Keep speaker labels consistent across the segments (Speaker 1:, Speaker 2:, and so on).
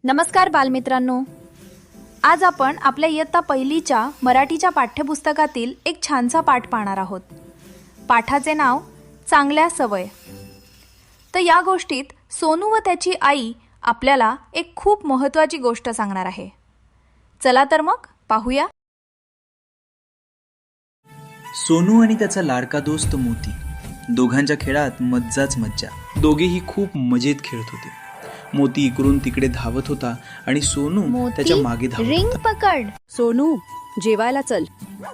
Speaker 1: नमस्कार बालमित्रांनो, आज आपण आपल्या इयत्ता पहिलीच्या मराठीच्या पाठ्यपुस्तकातील एक छानसा पाठ पाहणार आहोत. पाठाचे नाव चांगल्या सवय. तर या गोष्टीत सोनू व त्याची आई आपल्याला एक खूप महत्त्वाची गोष्ट सांगणार आहे. चला तर मग पाहूया.
Speaker 2: सोनू आणि त्याचा लाडका दोस्त मोती, दोघांच्या खेळात मज्जाच मज्जा. दोघेही खूप मजेत खेळत होते. मोती इकडून तिकडे धावत होता आणि सोनू त्याच्या मागे धावत
Speaker 1: रिंग
Speaker 2: होता.
Speaker 1: पकड.
Speaker 3: सोनू, जेवायला चल.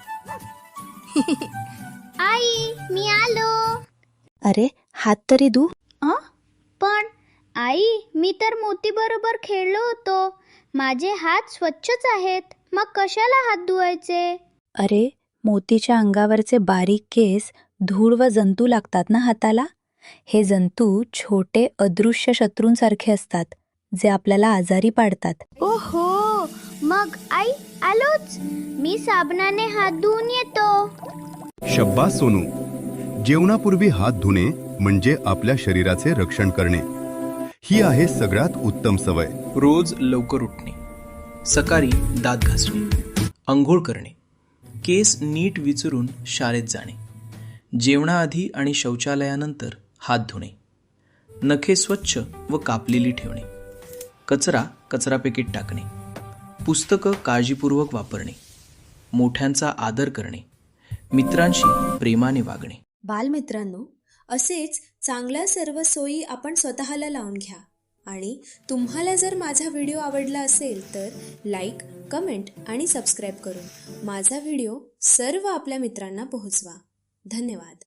Speaker 4: आई, मी आलो.
Speaker 3: अरे, हात तरी धु.
Speaker 4: पण आई, मी तर मोती बरोबर खेळलो होतो. माझे हात स्वच्छच आहेत. मग कशाला हात धुवायचे?
Speaker 3: अरे, मोतीच्या अंगावरचे बारीक केस धूळ व जंतू लागतात ना हाताला. हे जंतू छोटे अदृश्य शत्रूंसारखे असतात, जे आपल्याला आजारी पाडतात.
Speaker 4: ओहो, मग आई आलोच. मी साबणाने हात धुवून येतो.
Speaker 5: शब्बास सोनू, जेवणापूर्वी हात धुणे म्हणजे आपल्या शरीराचे रक्षण करणे. ही आहे सगळ्यात उत्तम सवय.
Speaker 2: रोज लवकर उठणे, सकाळी दात घासणे, अंघोळ करणे, केस नीट विचारून शाळेत जाणे, जेवणाआधी आणि शौचालयानंतर हात धुणे, नखे स्वच्छ व कापलेली ठेवणे, कचरापेटीत टाकणे, पुस्तकं काळजीपूर्वक वापरणे, मोठ्यांचा आदर करणे, मित्रांशी प्रेमाने वागणे.
Speaker 6: बालमित्रांनो, असेच चांगल्या सर्व सोयी आपण स्वतःला लावून घ्या. आणि तुम्हाला जर माझा व्हिडिओ आवडला असेल तर लाईक, कमेंट आणि सबस्क्राईब करून माझा व्हिडिओ सर्व आपल्या मित्रांना पोहोचवा. धन्यवाद.